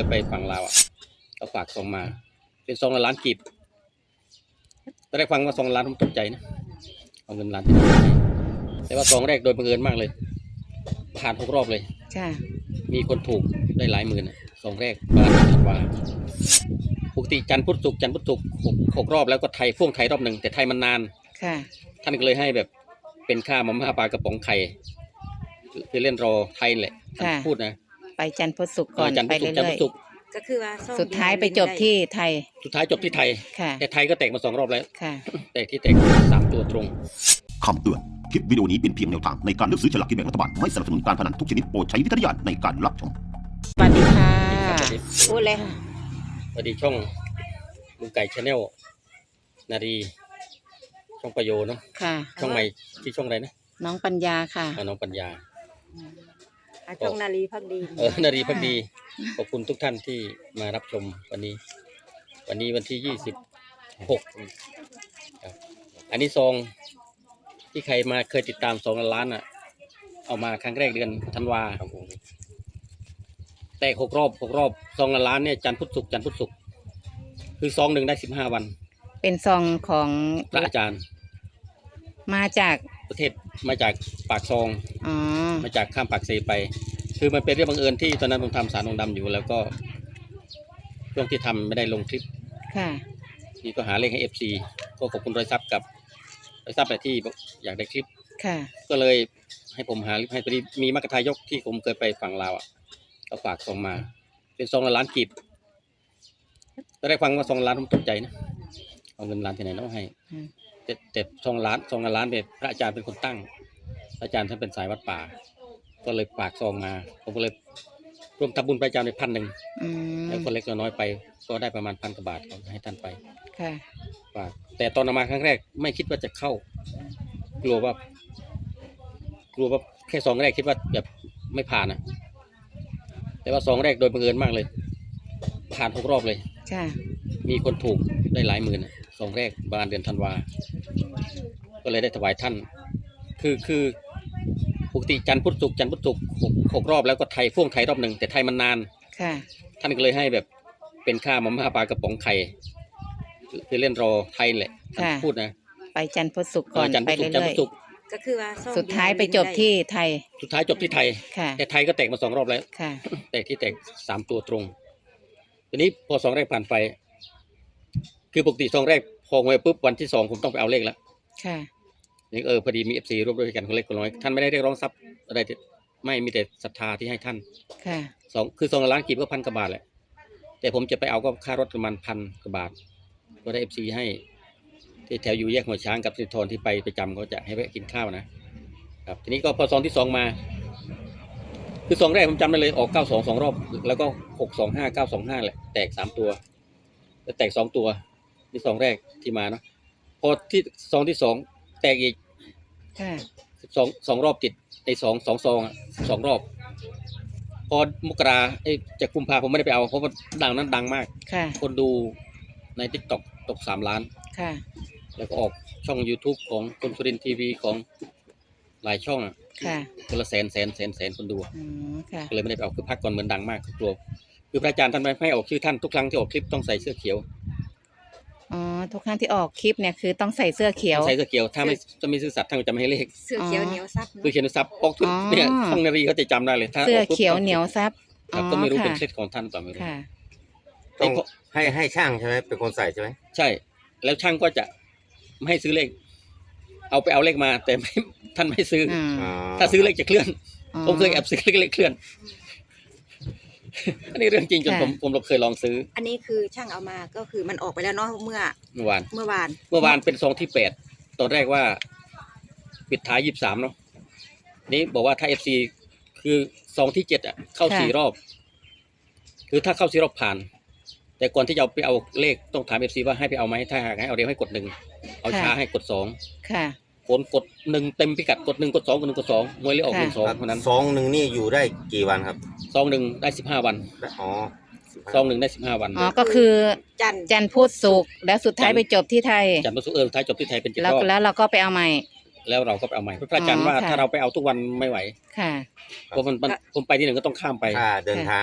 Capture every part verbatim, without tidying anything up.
ยไปฝั่งลาวอ่ะเขาฝากซองมาเป็นซองละล้านกีบตอนแรกฟังว่าซองล้านผมตกใจนะเอาเงินล้านที่ไหนให้แต่ว่าซองแรกโดยบังเอิญมากเลยผ่านหกรอบเลยค่ะมีคนถูกได้หลายหมื่นซองแรกบาทธันวาปกติจันทร์พุธศุกร์จันทร์พุธศุกร์หกหกรอบแล้วก็ไทยพ่วงไทยรอบหนึ่งแต่ไทยมันนานค่ะท่านก็เลยให้แบบเป็นค่ามาม่าปลากระป๋องไข่คือเล่นรอไทยแหละพูดนะไปจันทร์พุธศุกร์ก่อนไปเรื่อยๆก็คือว่าสุดท้ายไปจบที่ไทยสุดท้ายจบที่ไทยแต่ไทยก็แตกมาสองรอบแล้วแตกที่แตกสามตัวตรงคำเตือนคลิปวิดีโอนี้เป็นเพียงแนวทางในการเลือกซื้อฉลากกินแบ่งรัฐบาลไม่สนับสนุนการพนันทุกชนิดโปรดใช้วิจารณญาณในการรับชมสวัสดีค่ะพูดเลยค่ะสวัสดีช่องลุงไก่ชาแนลนารีช่องประโยชน์เนาะค่ะช่องใหม่ที่ช่องอะไรนะน้องปัญญาค่ะน้องปัญญาช่องนารีพักดีเออนารีพักดีขอบคุณทุกท่านที่มารับชมวันนี้วันนี้วันที่ยี่สิบหกอันนี้ซองที่ใครมาเคยติดตามซองล้านอ่ะเอามาครั้งแรกเดือนธันวาแต่หกรอบหกรอบซองละล้านเนี่ยจันทร์พุธศุกร์จันทร์พุธศุกร์คือซองหนึ่งได้สิบห้าวันเป็นซองของพระอาจารย์มาจากประเทศมาจากปากซองอ๋อมาจากข้ามปากเซไปคือมันเป็นเรื่องบังเอิญที่ตอนนั้นผมทำสารองดำอยู่แล้วก็ช่วงที่ทำไม่ได้ลงคลิปค่ะนี่ก็หาเลขให้เอฟซีก็ขอบคุณรอยซับกับรอยซับแต่ที่อยากได้คลิปค่ะก็เลยให้ผมหาให้พอดีมีมรรคทายกที่ผมเคยไปฝั่งลาวอ่ะเขาฝากซองมาเป็นซองละล้านกีบตอนแรกฟังว่าซองล้านผมตกใจนะเอาเงินล้านที่ไหนน้องให้แต่แต่ซองล้านซองละล้านเนี่ยพระอาจารย์เป็นคนตั้งพระอาจารย์ท่านเป็นสายวัดป่าก็เลยฝากซองมาผมก็เลยรวมทำบุญพระอาจารย์ไปพันหนึ่งแล้วคนเล็กน้อยไปก็ได้ประมาณพันกว่าบาทให้ท่านไปค่ะฝากแต่ตอนมาครั้งแรกไม่คิดว่าจะเข้ากลัวว่ากลัวว่าแค่ซองแรกคิดว่าแบบไม่ผ่านนะแต่ว่าซองแรกโดยบังเอิญมากเลยผ่านหกรอบเลยมีคนถูกได้หลายหมื่นซองแรกประมาณเดือนธันวาก็เลยได้ถวายท่านคือคือปกติจันทร์พุธศุกร์จันทร์พุธศุกร์หกหกรอบแล้วก็ไทยพ่วงไทยรอบหนึ่งแต่ไทยมันนานท่านก็เลยให้แบบเป็นค่ามาม่าปลากระป๋องไข่คือเล่นรอไทยแหละพูดนะไปจันทร์พุธศุกร์ก่อนไปเรื่อยก็คือว่าสุดท้ายไปจบที่ไทยสุดท้ายจบที่ไทยแต่ไทยก็แตกมาสองรอบแล้วแตกที่แตกสามตัวตรงทีนี้พอซองแรกผ่านไปคือปกติซองแรกพอหวยปุ๊บวันที่สองผมต้องไปเอาเลขแล้วค่ะนี่เออพอดีมีเอฟซีร่วมด้วยกันคนเล็กคนน้อยท่านไม่ได้เรียกร้องทรัพย์อะไรไม่มีแต่ศรัทธาที่ให้ท่านค่ะสองคือซองละล้านกีบก็พันกว่าบาทแหละแต่ผมจะไปเอาก็ค่ารถประมาณพันกว่าบาทก็ได้เอฟซีให้ที่แถวอยู่แยกหัวช้างกับสิทธรที่ไปประจำเขาจะให้แวะกินข้าวนะครับทีนี้ก็พอซองที่สองมาคือซองแรกผมจำได้เลยออกเก้าสองสองรอบแล้วก็หกสองห้าเก้าสองห้าแหละแตกสามตัวแล้วแตกสองตัวนี่ซองแรกที่มาเนาะพอที่ซองที่สองแตกอีกสองสองรอบติดไอ้สองสองซองสองรอบพอมกราไอ้จากกุมภาผมไม่ได้ไปเอาเพราะว่าดังนั้นดังมากคนดูในทิกตอกตกสามล้านแล้วก็ออกช่อง YouTube ของคนสุรินทร์ทีวีของหลายช่องคนละแสนแสนแสนแสนคนดูก็เลยไม่ได้ไปเอาคือพักก่อนเหมือนดังมากกลัวคือพระอาจารย์ท่านไม่ให้ออกชื่อท่านทุกครั้งที่ออกคลิปต้องใส่เสื้อเขียวอ๋อทุกครั้งที่ออกคลิปเนี่ยคือต้องใส่เสื้อเขียวใส่เสื้อเขียวถ้าไม่จะมีซื่อสัตย์ท่านจะไม่ให้เลขเสื้อเขียวเหนียวซับคือเขียนซับออกทุกเนี่ยช่องนารีเขาจะจำได้เลยถ้าเสื้อเขียวเหนียวซับก็ไม่รู้เป็นเคล็ดของท่านต่อไม่รู้ต้องให้ให้ช่างใช่ไหมเป็นคนใส่ใช่ไหมใช่แล้วช่างก็จะไม่ให้ซื้อเลขเอาไปเอาเลขมาแต่ไม่ท่านไม่ซื้อถ้าซื้อเลขจะเคลื่อนผมเคยแอบซื้อเลขเคลื่อนอันนี้เรื่องจริงจนผมผมเราเคยลองซื้ออันนี้คือช่างเอามาก็คือมันออกไปแล้วเนาะเมื่อเมื่อวานเมื่อวานเมื่อวานเป็นซองที่แปดตอนแรกว่าปิดท้ายยี่สิบสามเนาะนี้บอกว่าถ้าเอฟซีคือซองที่เจ็ดอ่ะเข้าสี่รอบคือถ้าเข้าสี่รอบผ่านแต่ก่อนที่จะไปเอาเลขต้องถามเอฟซีว่าให้ไปเอาไหมถ้าหากให้เอาเร็วให้กดหนึ่งเอาช้าให้กดสองค่ะผลกดหนึ่งเต็มพิกัดกดหนึ่งกดสองกดหนึ่งกดสองมวยเลยออกหนึ่งสองเท่านั้นซองหนึ่งนี่อยู่ได้กี่วันครับซองหนึ่งได้สิบห้าวันอ๋อซองหนึ่งได้สิบห้าวันอ๋อก็คือจันจันพุธศุกร์แล้วสุดท้ายไปจบที่ไทยจันพุธศุกร์เออท้ายจบที่ไทยเป็นเจ็ดรอบแล้วเราก็ไปเอาใหม่แล้วเราก็ไปเอาใหม่พระอาจารย์ว่าถ้าเราไปเอาทุกวันไม่ไหวค่ะเพราะมันผมไปที่หนึ่งก็ต้องข้ามไปค่าเดินทาง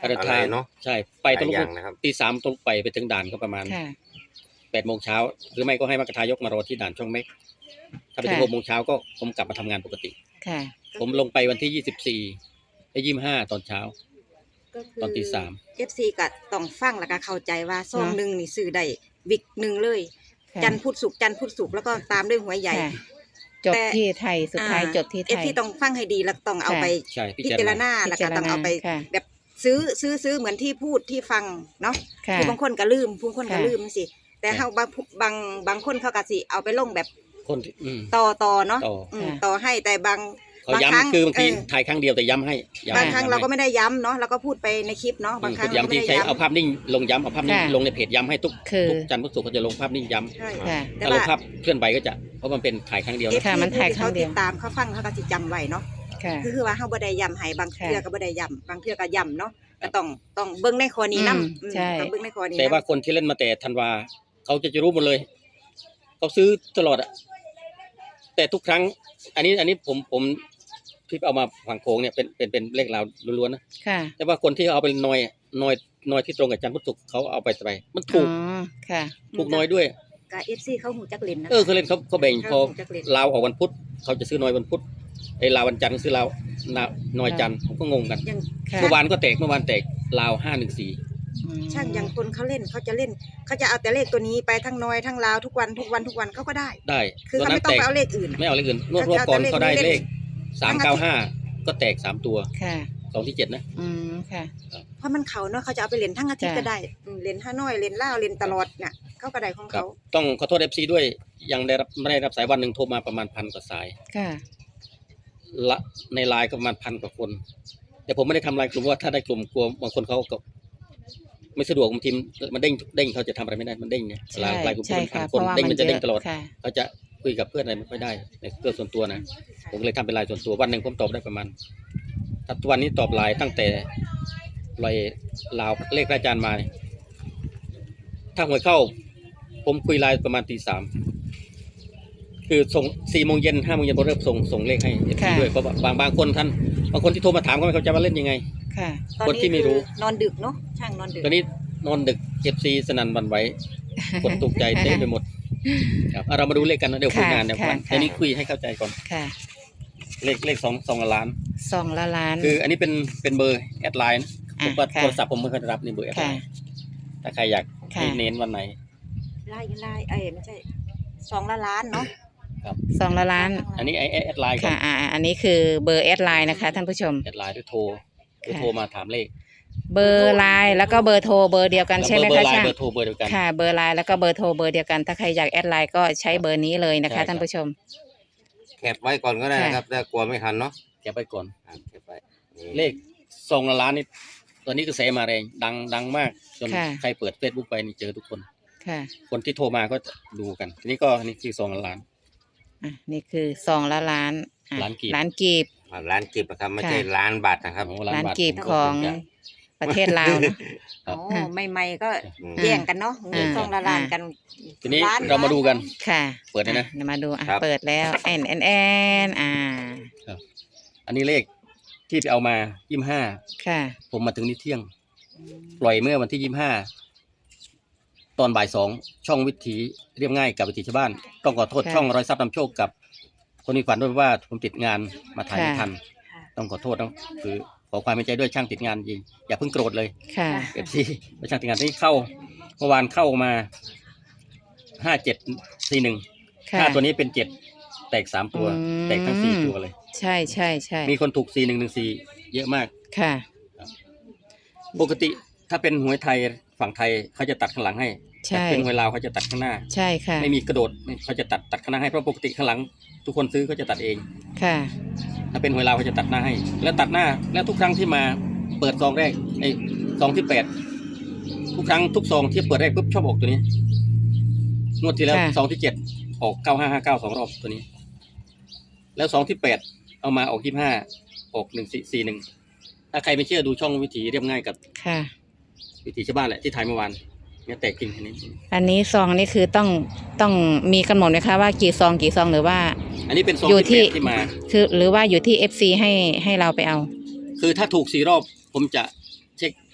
การเดินอะไรทางเนาะใช่ไปหต้องลายลุกอย่างนะครับตีสามต้องไปไปถึงด่านก็ประมาณค่ะแปดโมงเช้าหรือไม่ก็ให้มรรคทายกมารอที่ด่านช่องเม็กถ้าไปถึงค่ะหกโมงเช้าก็ผมกลับมาทำงานปกติค่ะผมลงไปวันที่ยี่สิบสี่และยี่สิบห้าตอนเช้าก็คืตอนตีสามเอฟซีก็ต้องฟังแล้วก็เข้าใจว่าซองเนาะหนึ่งนี่ซื้อได้วิกหนึ่งเลยค่ะจันทร์พุธศุกร์จันทร์พุธศุกร์แล้วก็ตามด้วยหวยใหญ่ค่ะจบที่ไทยสุดท้ายจบที่ไทเอฟยซีต้องฟังให้ดีแล้วต้องเอาค่ะไปใช่พิพิจารจารณาณาแล้วก็ต้องเอาไปค่ะแบบซื้อซื้อซื้อเหมือนที่พูดที่ฟังเนาะค่ะคือบางคนก็ลืมบางคนก็ค่ะลืมสิแต่เฮาบางบางบางคนเขาก็สิเอาไปลงแบบคนที่อืมต่อต่อเนาะต่ออืมค่ะต่อให้แต่บางเขาบางครั้งย้ำคือบางทีเออถ่ายครั้งเดียวแต่ย้ำให้ย้ำบางครั้งย้ำเราก็ให้ไม่ได้ย้ำเนาะเราก็พูดไปในคลิปเนาะบางครั้งอืมเราก็ย้ำไม่ที่ได้ใช้ย้ำเอาภาพนิ่งลงย้ำเอาภาพนิ่งค่ะลงในเพจย้ำให้ทุกคือทุกจันทร์พุธศุกร์เขาจะลงภาพนิ่งย้ำใช่ค่ะแต่ถ้าลว่างภาพเคลื่อนไหวก็จะเพราะมันเป็นถ่ายครั้งเดียวเอฟนะค่ะซีมันถ่ายครั้เขางเดีติยวดตามเขาฟังเขาก็สิจำไว้เนาะค่ะคือคือว่าเฮาบ่ได้ย้ำให้บางค่ะเทื่อก็บ่ได้ย้ำบางเทื่อก็ย้ำเนาะก็ต้องต้องเบิ่งในข้อนี้นำอืมใช่ต้องเบิ่งในข้อนี้แต่นำว่าคนที่เล่นมาแต่ธันวาเขาจะจะรู้หมดเลยเขาซื้อตลอดอะแต่ทุกครั้ง อันนี้อันนี้ผมผมที่เอามาฝั่งโขงเนี่ยเป็นเป็นเป็นเลขราวล้วนๆนะค่ะแต่ว่าคนที่เอาไปนอยนอยนอยที่ตรงกับจันทร์พุธศุกร์เขาเอาไปไปมันอ๋ถูกอค่ะถูกน้อยด้วยก็ เอฟ ซี เขาหูจักเล่นนะเออเขาเล่นเขาเขาแบ่งพอเขาจะเล่นลาวออกวันพุธเขาจะซื้อน้อยวันพุธไอ้ลาววันจันทร์ซื้อลาวนาน้อยจันทร์ผมก็งงกันยังค่ะเมื่อวานก็แตกเมื่อวานแตกลาวห้าหนึ่งสี่อืมช่างอย่างคนเขาเล่นเขาจะเล่นเขาจะเอาแต่เลขตัวนี้ไปทั้งน้อยทั้งลาวทุกวันทุกวันทุกวันเขาก็ได้ได้คือวันเขานั้ไม่นต้อแตงกไปเอาเลขอื่นไม่เอาเลขอื่นรวบรวบก่อนเขาได้เลขสามเก้าห้าก็แตกสามตัวค่ะสองที่เจ็ดนะอืมค่ะเพราะมันเขาเนาะเขาจะเอาไปเล่นทั้งอาทิตย์จ้ะก็ได้อืมเล่นห้าน้อยเล่นล่าวเล่นตลอดเนี่ยเขาก็ได้ของครับเขาต้องขอโทษเอฟซีด้วยยังได้รับไม่ได้รับสายวันหนึ่งโทรมาประมาณพันกว่าสายค่ะละในไลน์ก็ประมาณพันกว่าคน แต่ผมไม่ได้ทำไลน์กลุ่มเพราะว่าถ้าได้กลุ่มกลัวบางคนเขาก็ไม่สะดวกบางทีมันเด้งเด้งเขาจะทำอะไรไม่ได้มันเด้งเนี่ยใช่ไลน์ไลน์กลุ่มใช่เป็นพัค่ะนเพคนราะว่าเด้งมัมัน นจะเด้งตลอดค่ะเขาจะคุยกับเพื่อนอะไรไม่ค่อยได้ในเรื่องส่วนตัวนะผมก็เลยทำเป็นไลน์ส่วนตัววันหนึ่งผมตอบได้ประมาณถ้าวันนี้ตอบไลน์ตั้งแต่ลอยลาวเลขอาจารย์มาเนี่ยถ้าหวยเข้า ผมคุยไลน์ประมาณตีสามคือส่งสี่โมงเย็นห้าโมงเย็นผมเริ่มส่งส่งเลขให้เอฟซีค่ะด้วยเพราะว่าบางบางคนท่านบางคนที่โทรมาถามก็ไม่เข้าใจว่าเล่นยังไงค่ะตอนคนที่นี้ไม่รู้คือนอนดึกเนาะช่างนอนดึกตอนนี้นอนดึกเอฟซีสนั่นหวันไหวกดตกใจเต้นไปหมดครับเอาเรามาดูเลขกันนะเดี๋ยวคุยงานเดี๋ยวค่ะกันค่ะอันนี้คุยให้เข้าใจก่อนค่ะเลขเลขสองสองล้านสองละล้านคืออันนี้เป็นเป็นเบอร์แอดไลน์ผอ่ะมว่าค่ะโทรศัพท์ผมไม่เคยรับนี่เบอร์แอดไลค่ะน์ถ้าใครอยากค่ะให้เน้นวันไหนไล่ไล่เอ้ยไม่ใช่สองละล้านเนาะสองละล้านอันนี้ไอแอดไลน์ก่อค่ะนอ่าอันนี้คือเบอร์แอดไลน์นะคะท่านผู้ชมแอดไลน์หรือโทรหรือค่ะโทรมาถามเลขเบอร์ไลน์แล้วก็เบอร์โทรเบอร์เดียวกันแล้วใช่ไหมเบอคะร์ไลน์ช่างเบอร์โทรเบอร์เดียวกันค่ะ เบอร์ไลน์แล้วก็เบอร์โทรเบอร์เดียวกัน ถ้าใครอยากแอดไลน์ก็ใช้เบอร์นี้เลยนะใช่ครัคะบท่านผู้ชมแคปไว้ก่อนก็ได้ค่ะนะครับถ้ากลัวไม่ทันเนาะเก็บไปก่อนอ่ะแคปไว้นี่เลขสองล้านนี่ตอนนี้กระแสมาแรงดังดังมากจนค่ะใครเปิดเฟซบุ๊กไปนี่เจอทุกคนค่ะคนที่โทรมาก็ดูกัน ทีนี้ก็นี่คือสองล้านอ่ะนี่คือสองละล้านอ่ะล้านกีบล้านกีบอ่ะล้านกีบนะครับไม่ค่ะใช่ล้านบาทนะครับโอ้ล้านบทกีบของประเทศลาวเนอะครับโอ้ใหม่ๆก็อืมแย่งกันเนาะอ่าสองละล้านกันทีนี้ล้เรามาดูกันค่ะเปิดเลยนะอ่เดี๋ยวมาดูอ่ะครับเปิดแล้วแอนแอนแอนอ่าอันนี้เลขที่ไปเอามายี่สิบห้าค่ะผมมาถึงนี่เที่ยง ปล่อยเมื่อวันที่ยี่สิบห้าตอนบ่ายสองช่องวิถีเรียบง่ายกับวิถีชาวบ้าน ต้องขอโทษค่ะช่องร้อยทรัพย์นำโชคกับ คนมีฝันด้วยว่าผมติดงานมาถ่ายไม่ค่ะทัน ต้องขอโทษนะคือขอความเป็นใจด้วยช่างติดงานจริงอย่าเพิ่งโกรธเลยค่ะเอฟซีประช่างติดงานที่เข้าเมื่อวานเข้ามาห้าเจ็ดสี่หนึ่งค่ะห้าตัวนี้เป็นเจ็ดแตกสามตัวอืมแตกทั้งสี่ตัวเลยใช่ใช่ใช่มีคนถูกสี่หนึ่งหนึ่งสี่เยอะมากค่ะปกติถ้าเป็นหวยไทยฝั่งไทยเขาจะตัดข้างหลังให้ใช่แต่เป็นหวยลาวเขาจะตัดข้างหน้าใช่ค่ะไม่มีกระโดดเขาจะตัดตัดข้างหน้าให้เพราะปกติข้างหลัง ทุกคนซื้อเขาจะตัดเองค่ะถ้าเป็นหวยลาวเขาจะตัดหน้าให้ แล้วตัดหน้าแล้วทุกครั้งที่มาเปิดซองแรกไอ้ซองที่แปดทุกครั้งทุกซองที่เปิดแรกปุ๊บชอบออกตัวนี้งวดที่แล้วค่ะซองที่เจ็ดออกเก้าห้าห้าเก้าสองรอบตัวนี้ แล้วซองที่แปดเอามาออกยี่ห้าออกหนึ่งสี่สี่หนึ่งถ้าใครไม่เชื่อดูช่องวิถีเรียบง่ายกับค่ะวิถีชาวบ้านแหละที่ถ่ายเมื่อวานเนี่ยแตกจริงอันนี้อันนี้ซองนี่คือต้องต้องมีกำหนดไหมคะว่ากี่ซองกี่ซองหรือว่าอันนี้เป็นซองอยู่ที่ที่แปดที่มาคือหรือว่าอยู่ที่ เอฟ ซี ให้ให้เราไปเอาคือถ้าถูกสี่รอบผมจะเช็ค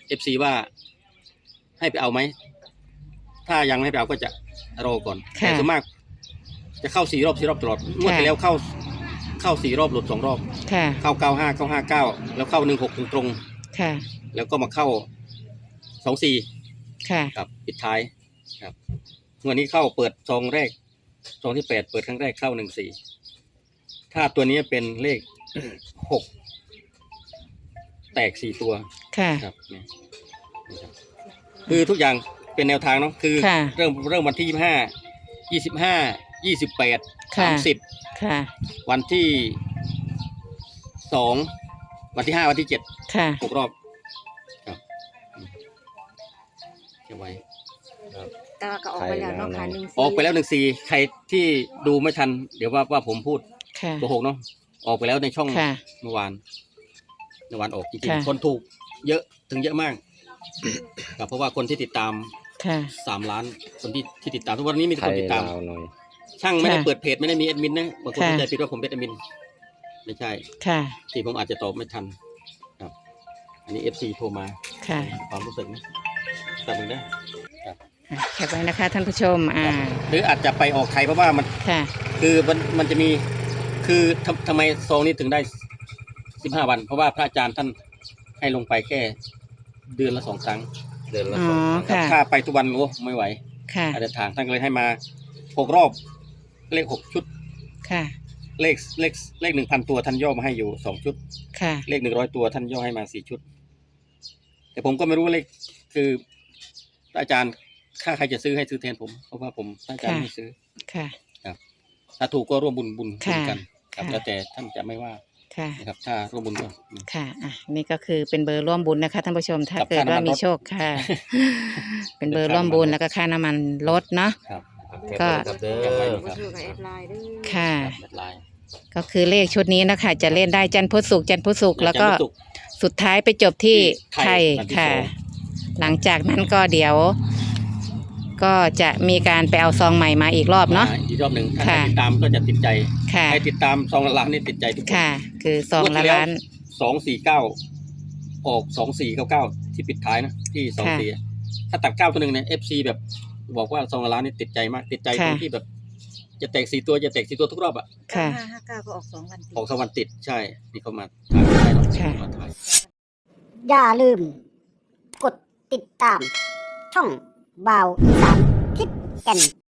เอฟซีว่าให้ไปเอาไหมถ้ายังไม่ให้ไปเอาก็จะรอก่อนค่ะแต่ส่วนมาก จะเข้าสี่รอบสี่รอบตลอดงวดที่แล้วเข้าเข้าสี่รอบหลุดสองรอบค่ะเข้าเก้าห้าเก้าห้าเก้าแล้วเข้าหนึ่งหกตรงค่ะๆแล้วก็มาเข้าสองสี่ค่ะครับปิดท้ายครับงวดนี้เข้าเปิดซองแรกซองที่แปดเปิดครั้งแรกเข้าหนึ่งสี่ถ้าตัวนี้เป็นเลข หกแตกสี่ตัวค่ะครับเนี่ยนะครับคือทุกอย่างเป็นแนวทางเนาะคือค่ะเริ่มเริ่มวันที่ยี่สิบห้ายี่สิบห้ายี่สิบแปดค่ะสามสิบค่ะวันที่สองวันที่ห้าวันที่เจ็ดค่ะหกรอบครับอืมเก็บไว้แต่ว่าก็ออกไปแล้วเนาะค่ะหนึ่งออกไปแล้วหนึ่งสี่ใครที่ดูไม่ทัน เดี๋ยวว่าว่าผมพูดค่ะโกหกเนาะออกไปแล้วในช่องค่ะเมื่อวานเมื่อวานออกจริงค่ะๆคนถูกเยอะถึงเยอะมาก ครับเพราะว่าคนที่ติดตามค่ะสามล้านคนที่ที่ติดตามทุกวันนี้มีแต่ไทคนยติดตามลาวหน่อยช่างไม่ได้ค่ะเปิดเพจไม่ได้มีแอดมินนะบางคนค่ะเข้าใจผิดว่าผมเป็นแอดมิน ไม่ใช่ค่ะที่ผมอาจจะตอบไม่ทัน ครับ อันนี้เอฟซีโทรมาค่ะความรู้สึกนะแต่มึงนะอ่ะแคปไว้นะคะท่านผู้ชม อ่าหรืออาจจะไปออกใครเพราะว่ามันค่ะคือมันมันจะมีคือทำทำไมซองนี้ถึงได้สิบห้าวัน เพราะว่าพระอาจารย์ท่านให้ลงไปแค่เดือนละสองครั้งเดินละอ๋อสองครั้งค่ะถ้าไปทุกวันโอ้ไม่ไหวค่ะอาจจะทางท่านก็เลยให้มาหกรอบเลขหกชุดค่ะเลขเลขเลขหนึ่งพันตัวท่านย่อมาให้อยู่สองชุดค่ะเลขหนึ่งร้อยตัวท่านย่อให้มาสี่ชุด แต่ผมก็ไม่รู้เลขคือพระอาจารย์ถ้าใครจะซื้อให้ซื้อแทนผมเพราะว่าผมพระอาจารย์ค่ะไม่ซื้อค่ะถ้าถูกก็ร่วมบุญบุญบุญค่ะกันครับค่ะแล้วแต่ท่านจะไม่ว่าค่ะนะครับ ถ้าร่วมบุญก็อืมค่ะ อ่ะ นี่ก็คือเป็นเบอร์ร่วมบุญนะคะท่านผู้ชม ถ้ากับเกิดค่าว่าน้ำมันมีรถโชคค่ะ เป็นเบอร์ร่วมบุญแล้วก็ค่าน้ำมันลดเนาะครับก็ครับเด้อเก็บไว้ก็คือกับแอดไลน์เด้อค่ะแบตไลน์ก็คือเลขชุดนี้นะคะ จะเล่นได้จันทร์พุธศุกร์จันทร์พุธศุกร์แล้วก็จันทร์พุธศุกร์สุดท้ายไปจบที่ที่ไทไทยยวันที่ค่ะสองหลังจากนั้นก็เดี๋ยว ก็จะมีการไปเอาซองใหม่มาอีกรอบเนาะมอีกรอบหนึ่งถ้าค่ะใครติดตามก็จะติดใจค่ะใครติดตามซองละล้านนี่ติดใจทุกคนค่ะ คือซองละล้านสองสี่เก้าออกสองสี่เก้าเก้าที่ปิดท้ายนะที่สองค่ะสี่ถ้าตัดเก้าตัวหนึ่งเนี่ยเอฟซีแบบบอกว่าซองละล้านนี่ติดใจมากติดใจตรงค่ะที่แบบ จะแตกสี่ตัวจะแตกสี่ตัวทุกรอบอ่ะค่ะห้าห้าเก้าก็ออกสองวันติดออกสองวันติดใช่นี่เขามาถ่ายไม่ได้หรอกค่ะมาถ่ายอย่าลืม กดติดตาม ช่องบาวอีสานทิศแก่น